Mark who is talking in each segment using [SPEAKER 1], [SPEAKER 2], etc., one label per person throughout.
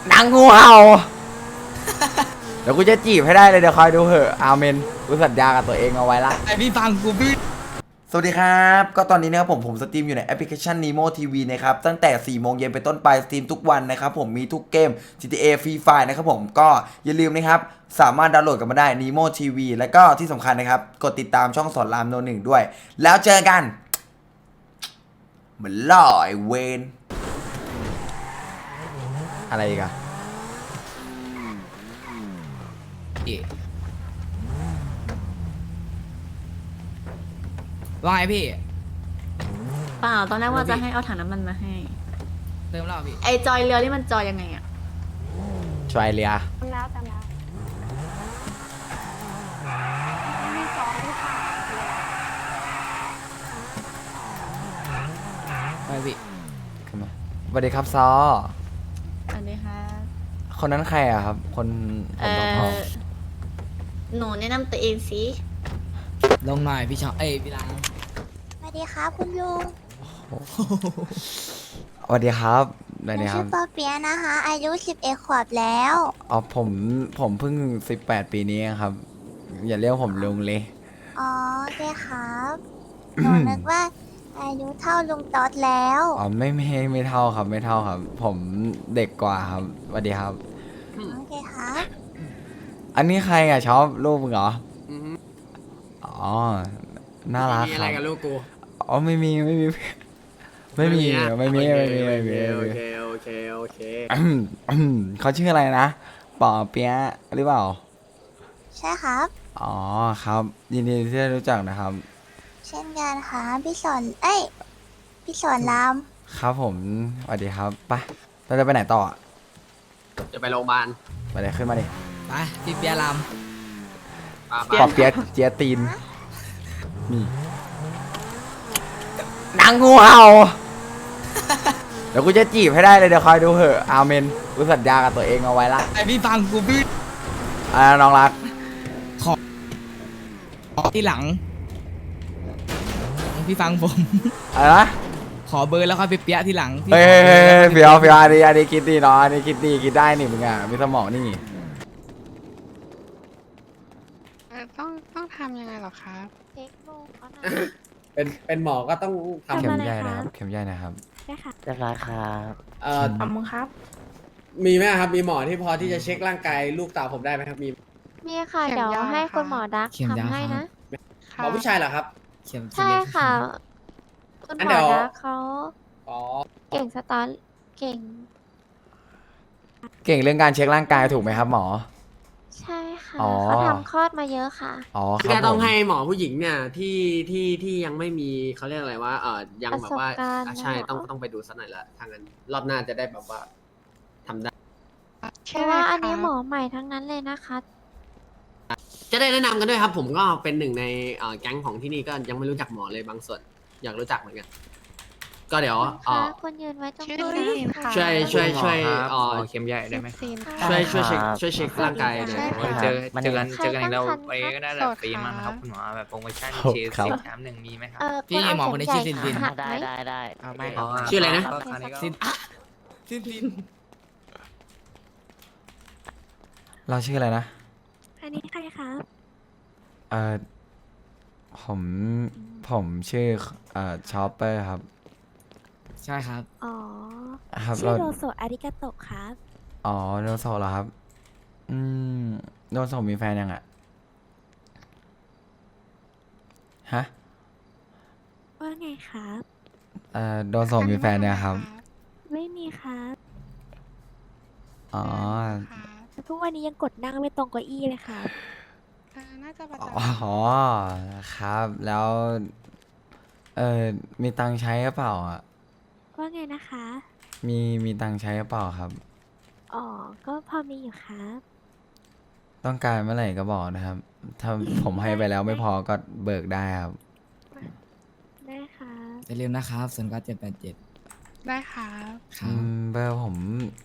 [SPEAKER 1] นางงูเห่าเดี๋ยวกูจะจีบให้ได้เลยเดี๋ยวคอยดูเหอะอาเมนกูสัญญากับตัวเองเอาไว้ละ
[SPEAKER 2] ไอพี่ฟังกูพี่
[SPEAKER 1] สวัสดีครับก็ตอนนี้นะครับผมสตรีมอยู่ในแอปพลิเคชัน Nemo TV นะครับตั้งแต่4 โมงเย็นเป็นต้นไปสตรีมทุกวันนะครับผมมีทุกเกม GTA Free Fire นะครับผมก็อย่าลืมนะครับสามารถดาวน์โหลดกันมาได้ Nemo TV แล้วก็ที่สำคัญนะครับกดติดตามช่องสอนรามโนหนึ่งด้วยแล้วเจอกันเหมือนล่อไอเวนอะไรอีกอะ
[SPEAKER 2] ว่าไงพี่
[SPEAKER 3] เปล่าตอนแรกว่าจะให้เอาถังน้ำมันมาให้
[SPEAKER 2] เติมแล้วพี่
[SPEAKER 3] ไอจอยเรือนี่มันจอยยังไงอะ
[SPEAKER 1] ชวายเลีย
[SPEAKER 4] แล้วแต่แล้วมีสองที่ขาดเลย
[SPEAKER 2] ไปพี่
[SPEAKER 1] ขึ้นมาสวัสดีครับซอ
[SPEAKER 3] อันนี้ค่ะ
[SPEAKER 1] คนนั้นใครอะครับคนผมทอง
[SPEAKER 3] หนูแนะนำตัวเองสิ
[SPEAKER 2] ลงหน่อยพี่ชอบเอ้ยพี่ลัง
[SPEAKER 4] สวัสดีครับคุณลุง
[SPEAKER 1] สวัสดีครับสวัส
[SPEAKER 4] หนู
[SPEAKER 1] ดีครั
[SPEAKER 4] ชื่
[SPEAKER 1] บ
[SPEAKER 4] อปอเปียะนะคะ อายุ11 ขวบแล้ว
[SPEAKER 1] อ๋อผมเพิ่ง18 ปีนี้ครับ อย่าเรียกผมลุงเลย
[SPEAKER 4] อ๋อโอเคครับหนูนึกว่าอายุเท่าลุงต๊อดแล้ว
[SPEAKER 1] อ๋อไม่เท่าครับไม่เท่าครับ ผมเด็กกว่าครับสวัสดีครับ
[SPEAKER 4] โอเคครับ
[SPEAKER 1] อันนี้ใครอ่ะชอบรูปมึงเหรออ๋อน่ารัก
[SPEAKER 5] มี
[SPEAKER 1] ค
[SPEAKER 5] อะไร
[SPEAKER 1] รับ
[SPEAKER 5] กับลูกกู
[SPEAKER 1] อ๋อไม่มี
[SPEAKER 5] อะโอเคโอเค
[SPEAKER 1] เขาชื่ออะไรนะป่อเปียะหรือเปล่า
[SPEAKER 4] ใช่ครับ
[SPEAKER 1] อ๋อครับยินดีที่ได้รู้จักนะครับ
[SPEAKER 4] เช่นกันค่ะพี่สอนพี่สอนราม
[SPEAKER 1] ครับผมสวัสดีครับไปเราจะไปไหนต่ออะ
[SPEAKER 5] จะไปโรงพยาบาล
[SPEAKER 1] ไปเลยขึ้นมาดิ
[SPEAKER 2] ไปพี่เปียร
[SPEAKER 1] ปอบเปียะเจียตีนนี่นางงูเห่าเดี๋ยวกูจะจีบให้ได้เลยเดี๋ยวคอยดูเหอะอาเมนกูสัญญากับตัวเองเอาไว้ละ
[SPEAKER 2] ไอพี่ฟังกูพี่
[SPEAKER 1] น้องรัก
[SPEAKER 2] ที่หลังพี่ฟังผม
[SPEAKER 1] อะไรนะ
[SPEAKER 2] ขอเบอร์แล้วค่อยไปเปียที่หลังพี่
[SPEAKER 1] เฮ้ย
[SPEAKER 2] ขอบอร์แล้วค่อ
[SPEAKER 1] เฟียวอันนี้คิดดีเนาะอันนี้คิดดีคิดได้นี่มึงอ่ะมีสมองนี่
[SPEAKER 6] ต้องทำยังไงเหรอครับ
[SPEAKER 4] เทคโนเขาหน่อย
[SPEAKER 5] เป็นหมอก็ต้องทำ
[SPEAKER 1] เข็มใหญ่นะครับเข็มใหญ่นะครับ
[SPEAKER 4] ได้ค่ะ
[SPEAKER 7] เรียบร้อยครับ
[SPEAKER 4] ขอบคุณครับ
[SPEAKER 5] มีไหมครับ มีหมอที่พอที่จะเช็คร่างกายลูกสาวผมได้ไหมครับ มี
[SPEAKER 4] มีค่ะ
[SPEAKER 6] เข็ม
[SPEAKER 4] เดี๋ยว
[SPEAKER 6] ยาว
[SPEAKER 4] ให้
[SPEAKER 6] ค่ะ
[SPEAKER 4] คุณหมอดัก
[SPEAKER 2] เข็มยาว
[SPEAKER 4] ทำให้
[SPEAKER 2] ครั
[SPEAKER 4] นะ
[SPEAKER 2] บ
[SPEAKER 5] หมอผู้ชายเหรอครับ
[SPEAKER 2] เข็ม
[SPEAKER 4] ใช่ค่ะ คุณ
[SPEAKER 5] อัน
[SPEAKER 4] หม
[SPEAKER 5] เดี๋
[SPEAKER 4] อ
[SPEAKER 5] ยว
[SPEAKER 4] ดักเขา
[SPEAKER 5] อ๋อ
[SPEAKER 4] เก่งสตาร์เก่ง
[SPEAKER 1] เก่งเรื่องการเช็คร่างกายถูกไหมครับหมอ
[SPEAKER 4] ใช่ค่ะ
[SPEAKER 1] อ๋อ
[SPEAKER 4] เขาทำคลอดมาเยอะค่ะ
[SPEAKER 1] อ๋อค
[SPEAKER 5] คือ
[SPEAKER 1] รับ
[SPEAKER 5] จะต้อง
[SPEAKER 1] ผม
[SPEAKER 5] ให้หมอผู้หญิงเนี่ยที่ยังไม่มีเขาเรียกอะไรว่ายังแบบว่า
[SPEAKER 4] ประสบการณ์
[SPEAKER 5] ใช่
[SPEAKER 4] เหรอ
[SPEAKER 5] ต้องไปดูสักหน่อยละทางนั้นรอบหน้าจะได้แบบว่าทำได้
[SPEAKER 4] เพราะว่าอันนี้หมอใหม่ทั้งนั้นเลยนะคะ
[SPEAKER 5] จะได้แนะนำกันด้วยครับ ผมก็เป็นหนึ่งในแก๊งของที่นี่ก็ยังไม่รู้จักหมอเลยบางส่วน อยากรู้จักเหมือนกัน ก็เดี๋ยว
[SPEAKER 4] คุณคะคุณยืนไว้ตรง
[SPEAKER 6] ชื่อ
[SPEAKER 4] นี้
[SPEAKER 6] ซีนค่ะ
[SPEAKER 5] ช่วย
[SPEAKER 7] เข็มใหญ่ได้ไหม
[SPEAKER 6] ซีน
[SPEAKER 5] ช่วยเช็ค
[SPEAKER 7] ครับ
[SPEAKER 5] ช่วยเช็คร่างกายหน่อย
[SPEAKER 6] ใช่ค่ะ
[SPEAKER 7] เจอเจอกัน
[SPEAKER 4] ใครตั้งครรภ์
[SPEAKER 7] ไปก็ได้
[SPEAKER 6] โส
[SPEAKER 7] แบบ
[SPEAKER 6] ด
[SPEAKER 7] ฟรีมั้งครับ
[SPEAKER 6] ค่ะ
[SPEAKER 7] คุณหมอแบบโปรโมชั่น
[SPEAKER 1] ครับ
[SPEAKER 7] ฉีด
[SPEAKER 1] ครับ
[SPEAKER 7] 10 แถม 1มีไหมครับ
[SPEAKER 2] พี่
[SPEAKER 4] คุณ
[SPEAKER 2] หมอ
[SPEAKER 4] เา
[SPEAKER 2] คนนี้
[SPEAKER 4] เข็
[SPEAKER 2] ชื่อ
[SPEAKER 4] ให
[SPEAKER 2] ซิ
[SPEAKER 4] ญ่
[SPEAKER 2] น
[SPEAKER 4] ขาหัก
[SPEAKER 7] ได้
[SPEAKER 4] ไหม
[SPEAKER 7] ได้ไม่
[SPEAKER 1] อ๋อ
[SPEAKER 5] ชื่ออะไรนะ
[SPEAKER 7] ตอนนี้ก็
[SPEAKER 2] ซินซิน
[SPEAKER 1] เราชื่ออะไรนะ
[SPEAKER 4] อันนี้ใครคะ
[SPEAKER 1] เอ่อผมผมชื่อชอปเปอร์ครับ
[SPEAKER 2] ใช่ครับ
[SPEAKER 4] อ๋อ
[SPEAKER 1] ครับ
[SPEAKER 4] ชื่อโรโซอาริกาโตะครับ
[SPEAKER 1] อ๋อโดนโซเหรอครับ อืมโดนโซมีแฟนยังอ่ะฮะ
[SPEAKER 4] ว่าไงครับ
[SPEAKER 1] โดนโซมีแฟนเนี่ยครับ
[SPEAKER 4] ไม่มีครับ
[SPEAKER 1] อ๋อ
[SPEAKER 4] ทุกวันนี้ยังกดนั่งไม่ตรงเก้าอี้เลยครับ
[SPEAKER 6] น่าจะประจ
[SPEAKER 1] อ๋อครับ แล้ว มีตังค์ใช้หรือเปล่าอ่ะ
[SPEAKER 4] ว่าไงนะคะ
[SPEAKER 1] มีตังค์ใช้หรือเปล่าครับ
[SPEAKER 4] อ๋อ ก็พอมีอยู่ครับ
[SPEAKER 1] ต้องการเมื่อไหร่ก็บอกนะครับ ถ้าผมให้ไปแล้วไม่พอก็เบิกได้ครับ
[SPEAKER 4] ได้ครับ
[SPEAKER 2] อย่าลืมนะครับ097787
[SPEAKER 6] ำได้ครับ
[SPEAKER 2] ครั
[SPEAKER 1] อื
[SPEAKER 2] บ
[SPEAKER 1] มเบอร์ผม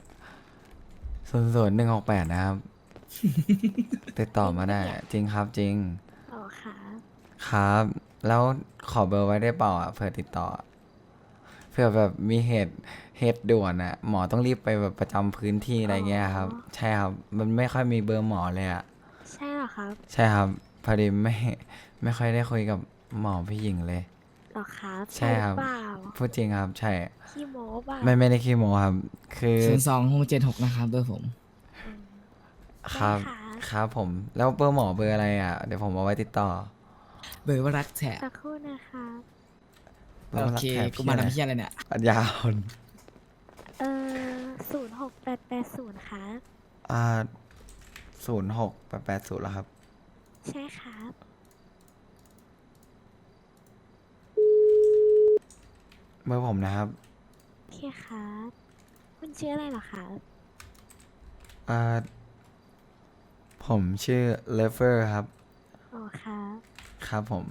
[SPEAKER 1] 00168นะครับ ติดต่อมาได้ จริงครับจริง
[SPEAKER 4] อ๋อครับ
[SPEAKER 1] ครับ แล้วขอเบอร์ไว้ได้เปล่าอ่ะเผื่อติดต่อเผื่อแบบมีเหตุด่วนอะหมอต้องรีบไปแบบประจำพื้นที่อะไรเงี้ยครับ ใช่ครับ มันไม่ค่อยมีเบอร์หมอเลยอะ
[SPEAKER 3] ใช่เหรอครับ
[SPEAKER 1] ใช่ครับ พอดีไม่ค่อยได้คุยกับหมอผู้หญิงเลย
[SPEAKER 3] หรอครับ
[SPEAKER 1] ใช่ครับ
[SPEAKER 3] หอเปล่า
[SPEAKER 1] พูดจริงครับ ใช่
[SPEAKER 3] ขี้โม้เปล่า
[SPEAKER 1] ไม่ได้ขี้โมครับ คือ
[SPEAKER 2] 02676นะครับเบอร์ผม
[SPEAKER 3] อืม
[SPEAKER 1] ครับ
[SPEAKER 3] ได้ค่ะ
[SPEAKER 1] ครับผม แล้วเบอร์หมอเบอร์อะไรอะเดี๋ยวผมเอาไว้ติดต่อ
[SPEAKER 2] เบอร์ว่ารักแฉะ
[SPEAKER 3] สักครู่นะคะ
[SPEAKER 1] บร์
[SPEAKER 2] โอ
[SPEAKER 1] รัก
[SPEAKER 2] เค
[SPEAKER 1] แถบ
[SPEAKER 2] กูมาทำเพี้ยอะไรเนี่ย
[SPEAKER 1] ปัญญาอ่อน
[SPEAKER 3] 06880ครับ
[SPEAKER 1] 0680แล้วครับ
[SPEAKER 3] ใช่ครับ
[SPEAKER 1] เบอร์ผมนะครับ
[SPEAKER 3] โอเคครับ คุณชื่ออะไรเหรอครับ
[SPEAKER 1] อ่าผมชื่อเลเวอร์ครับ
[SPEAKER 3] อ๋อครับ
[SPEAKER 1] ครับผม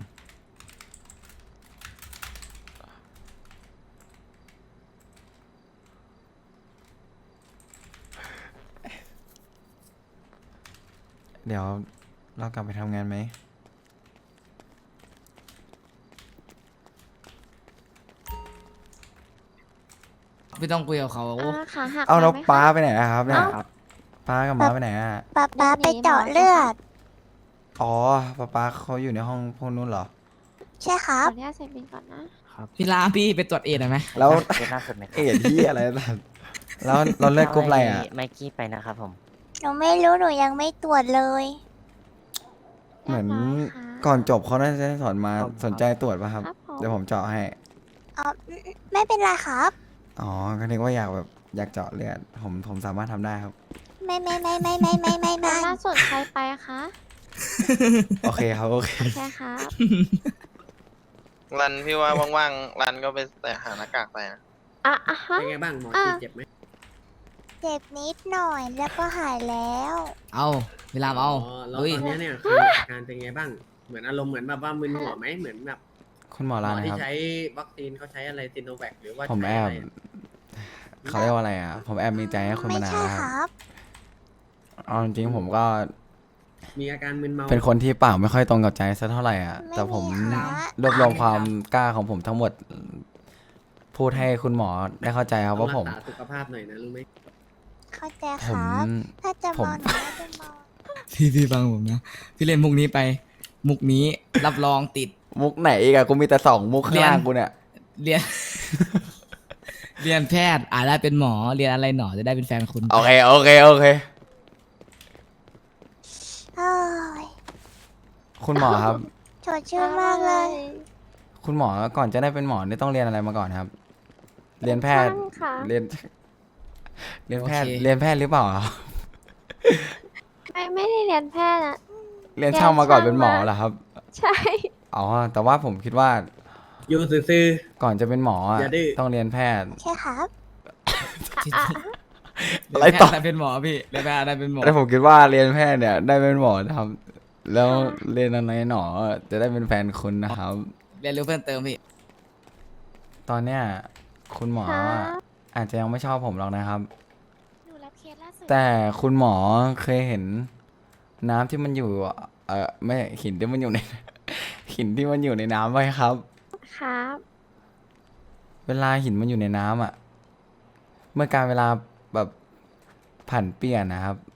[SPEAKER 1] เดี๋ยวเรากลับไปทำงานไหม
[SPEAKER 2] ไม่ต้องคุยกับเขา
[SPEAKER 4] ขาหัก
[SPEAKER 1] เอาแล้ว
[SPEAKER 4] มไหมคะ
[SPEAKER 1] ป้าไปไหนนะครับเนี่ย
[SPEAKER 4] เอ้า
[SPEAKER 1] ป้ากับม้าไปไหนอ่ะ
[SPEAKER 4] ป๊าไปเจาะเลือด
[SPEAKER 1] อ๋อป้าเขาอยู่ในห้องพวกนู้นเหรอ
[SPEAKER 4] ใช่ครั
[SPEAKER 8] ข
[SPEAKER 4] บ
[SPEAKER 8] ออนุญาตใส่บินก่อนนะ
[SPEAKER 2] พี่ลาพี่ไปตรวจเอดหน่อยไหม
[SPEAKER 1] แล้ว
[SPEAKER 7] เจอหน้าสุดไหมครับ
[SPEAKER 1] เอ็ดที่อะไรแบบแล้วเราเลือกกรุ๊ปอะไรอ่ะ
[SPEAKER 7] ไมกี้ไปนะครับผม
[SPEAKER 4] หนูไม่รู้หนูยังไม่ตรวจเลย
[SPEAKER 1] เหมือน
[SPEAKER 8] เรียบร้อยค่ะ
[SPEAKER 1] ก่อนจบเขาน่าจะสอนมา
[SPEAKER 7] ครับ
[SPEAKER 1] สนใจตรวจป่ะครับ
[SPEAKER 8] ครับผม
[SPEAKER 1] เดี๋ยวผมเจาะให้
[SPEAKER 4] อ๋อ ไม่เป็นไรครับ
[SPEAKER 1] อ๋อ ก็นึกว่าอยากแบบอยากเจาะเลือด ผมสามารถทำได้ครับ
[SPEAKER 4] ไม่
[SPEAKER 8] ล่าสุดใครไปคะ
[SPEAKER 1] โอเคครับ โอเค
[SPEAKER 8] ใช่ครับ
[SPEAKER 9] รันพี่ว่าว่างๆ รันก็ไปแต่หาหน้ากากใส่นะ
[SPEAKER 8] อ่ะฮะ
[SPEAKER 5] เป็นไงบ้างหมอ
[SPEAKER 8] อ่ะ
[SPEAKER 5] เจ็บไหม
[SPEAKER 4] เจ็บนิดหน่อยแล้วก็หายแล้ว
[SPEAKER 2] เอาพี่ลามเอา
[SPEAKER 5] แล้ว
[SPEAKER 2] ลุย
[SPEAKER 5] ตอนเนี้ยเนี่ยคืออาการเป็นไงบ้าง เหมือนอารมณ์เหมือนแบบว่ามึนหัวไหมเหมือนแบบ
[SPEAKER 1] คุณหมอ
[SPEAKER 5] หม
[SPEAKER 1] ร้า
[SPEAKER 5] อน
[SPEAKER 1] นะ
[SPEAKER 5] ที่
[SPEAKER 1] ครับ
[SPEAKER 5] ใช้วัคซีนเขาใช้อะไรซิโนแวคหรือว่า
[SPEAKER 1] ผม
[SPEAKER 5] ใช้
[SPEAKER 1] แอบ
[SPEAKER 5] ะไร
[SPEAKER 1] เขาเรียกว่าอะไรอ่ะ ผมแอบมีใจให้คุณ
[SPEAKER 4] ไม่
[SPEAKER 1] มานาน
[SPEAKER 4] ใช่
[SPEAKER 1] แล้ว
[SPEAKER 4] ค
[SPEAKER 1] ครับ
[SPEAKER 4] รับ
[SPEAKER 1] เอาจริงๆผมก็
[SPEAKER 5] มีอาการมึนเมา
[SPEAKER 1] เป็นคนที่ปากไม่ค่อยตรงกับใจสักเท่าไหร่อ่ะ แต่ผม
[SPEAKER 4] ไม่มีค่ะ
[SPEAKER 1] รวบรวมความกล้าของผมทั้งหมด พูดให้คุณหมอได้เข้าใจครับ
[SPEAKER 5] ต้อง
[SPEAKER 1] ว่า
[SPEAKER 5] รั
[SPEAKER 1] ผ
[SPEAKER 5] ก
[SPEAKER 1] ม
[SPEAKER 5] ษาสุขภาพหน่อยนะรู้ไหม
[SPEAKER 4] เข้าใจ
[SPEAKER 1] ผ
[SPEAKER 4] ค
[SPEAKER 1] ม
[SPEAKER 4] รับ ถ้าจะ
[SPEAKER 1] ผม
[SPEAKER 4] มองหนูไม่ได้มอง
[SPEAKER 2] พี่ฟังผมนะ พี่เล่นมุกนี้ไป มุกนี้รับรองติด
[SPEAKER 1] มุกไหนอีกอะกูมีแต่2 มุกข้างล่างกูเนี่ย
[SPEAKER 2] เรียน เรียนแพทย์อาจได้เป็นหมอ เรียนอะไรหนอจะได้เป็นแฟนคุณ
[SPEAKER 1] โอเค โอเค โอเค
[SPEAKER 4] เอ้ย
[SPEAKER 1] คุณหมอครับ
[SPEAKER 4] สดชื่นมากเลย
[SPEAKER 1] คุณหมอก่อนจะได้เป็นหมอนี่ต้องเรียนอะไรมาก่อนครับ เรียนแพทย์
[SPEAKER 8] ช่างค่ะ
[SPEAKER 1] เรียน เรียนแพทย์
[SPEAKER 2] โอเค
[SPEAKER 1] เรียนแพทย์หรือเปล่าครับ
[SPEAKER 8] ไม่ได้เรียนแพทย์อะ
[SPEAKER 1] เรียนช่างมาก่อน
[SPEAKER 8] เรียน
[SPEAKER 1] เป็นหมอ
[SPEAKER 8] ช่างมา
[SPEAKER 1] เหรอครับ
[SPEAKER 8] ใช่
[SPEAKER 1] อ๋อ แต่ว่าผมคิดว่า
[SPEAKER 5] อยู่ซื่อ
[SPEAKER 1] ก่อนจะเป็นหมออะ
[SPEAKER 5] อย่าดื้อ
[SPEAKER 1] ต้องเรียนแพทย์
[SPEAKER 4] ใช่ครับ
[SPEAKER 1] อะไร
[SPEAKER 2] เรียนแพ
[SPEAKER 1] ต่อ
[SPEAKER 2] ทย์ได้เป็นหมอพี่เรียนแพทย์ได้เป็นหมอ
[SPEAKER 1] แต่ผมคิดว่าเรียนแพทย์เนี่ยได้เป็นหมอนะครับ แล้วเรียนอะไรหนอจะได้เป็นแฟนคุณนะครับ
[SPEAKER 2] เรียนรู้เพิ่มเติมพี่
[SPEAKER 1] ตอนเนี้ยคุณหมอ
[SPEAKER 8] ครับ
[SPEAKER 1] อาจจะยังไม่ชอบผมหรอกนะครับ
[SPEAKER 8] หนูรับเคสล่าสุด
[SPEAKER 1] แต่คุณหมอเคยเห็นน้ำที่มันอยู่ ไม่หินที่มันอยู่ใน หินที่มันอยู่ในน้ำไหมครับ
[SPEAKER 8] ครับ
[SPEAKER 1] เวลาหินมันอยู่ในน้ำอ่ะ เมื่อการเวลาแบบผันเปลี่ยนนะครับ